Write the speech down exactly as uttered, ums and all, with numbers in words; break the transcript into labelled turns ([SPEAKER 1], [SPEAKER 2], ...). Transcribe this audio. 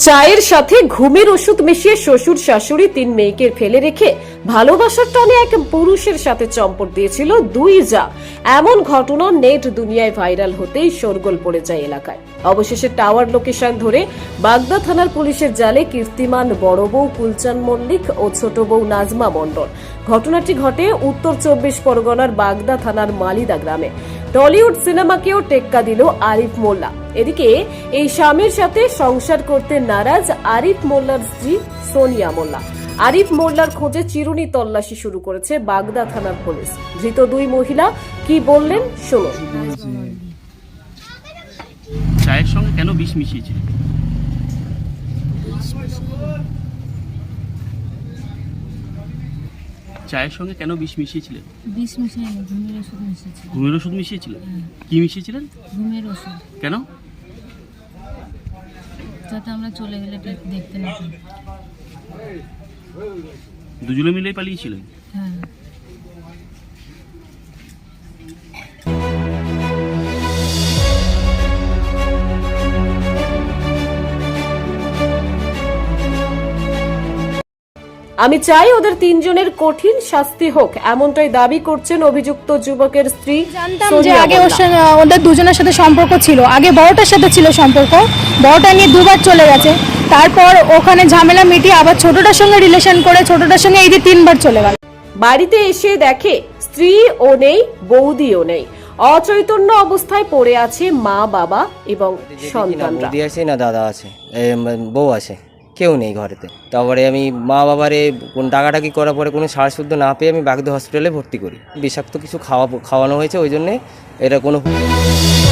[SPEAKER 1] চায়ের সাথে ঘুমের ওষুধ মিশিয়ে শ্বশুর শাশুড়ি তিন মেয়েকে ফেলে রেখে ভালোবাসার টানে এক পুরুষের সাথে চম্পট দিয়েছিল দুই যা। এমন ঘটনা নেট দুনিয়ায় ভাইরাল হতেই শোরগোল পড়ে যায় এলাকায়। অবশেষে টাওয়ার লোকেশন ধরে বাগদা থানার পুলিশের জালে কীর্তিমান বড় বউ কুলচান মল্লিক ও ছোট বউ নাজমা মণ্ডল। ঘটনাটি ঘটে উত্তর চব্বিশ পরগনার বাগদা থানার মালিদা গ্রামে। টলিউড সিনেমাকেও টেক্কা দিল আরিফ মোল্লা। এদিকে এই স্বামীর সাথে সংসার করতে নারাজ আরিফ মোল্লার স্ত্রী সোনিয়া মোল্লা। আরিফ মোল্লার খোঁজে চিরুনি তল্লাশি শুরু করেছে বাগদা থানার পুলিশ। ধৃত দুই মহিলা কি বললেন শুনুন।
[SPEAKER 2] চায়ের সঙ্গে কেন বিষ মিশিয়েছিল? চায়ের সঙ্গে কেন বিষ মিশিয়েছিলেন?
[SPEAKER 3] বিষ মিশাইনি, ঘুমের ওষুধ মিশিয়েছি।
[SPEAKER 2] ঘুমের ওষুধ মিশিয়েছিলেন? কি মিশিয়েছিলেন?
[SPEAKER 3] ঘুমের ওষুধ।
[SPEAKER 2] কেন?
[SPEAKER 3] যাতে আমরা চলে গেলে দেখতে না পাই।
[SPEAKER 2] দুজনে মিলেই পালিয়েছিলেন?
[SPEAKER 3] হ্যাঁ।
[SPEAKER 1] আমি চাই ওদের তিনজনের কঠিন শাস্তি হোক, এমনটাই দাবি করছেন অভিযুক্ত যুবকের স্ত্রী।
[SPEAKER 4] জানতাম যে আগে ওদের দুজনের সাথে সম্পর্ক ছিল, আগে বড়টার সাথে ছিল সম্পর্ক, বড়টা নিয়ে দুবার চলে গেছে, তারপর ওখানে ঝামেলা মিটিয়ে আবার ছোটটার সঙ্গে রিলেশন করে ছোটটার সঙ্গে এই যে তিনবার চলে গেল।
[SPEAKER 1] বাড়িতে এসে দেখে স্ত্রী ও নেই, বৌদিও নেই, অচৈতন্য অবস্থায় পড়ে আছে মা বাবা এবং সন্তানরা।
[SPEAKER 5] বৌদি আছে না দাদা আছে, বউ আছে, কেউ নেই ঘরেতে। তারপরে আমি মা বাবারে কোন টাকাটাকি করার পরে কোনো সার শুদ্ধ না পেয়ে আমি বাগদা হসপিটালে ভর্তি করি। বিষাক্ত কিছু খাওয়া খাওয়ানো হয়েছে, ওই জন্যে এটা কোনো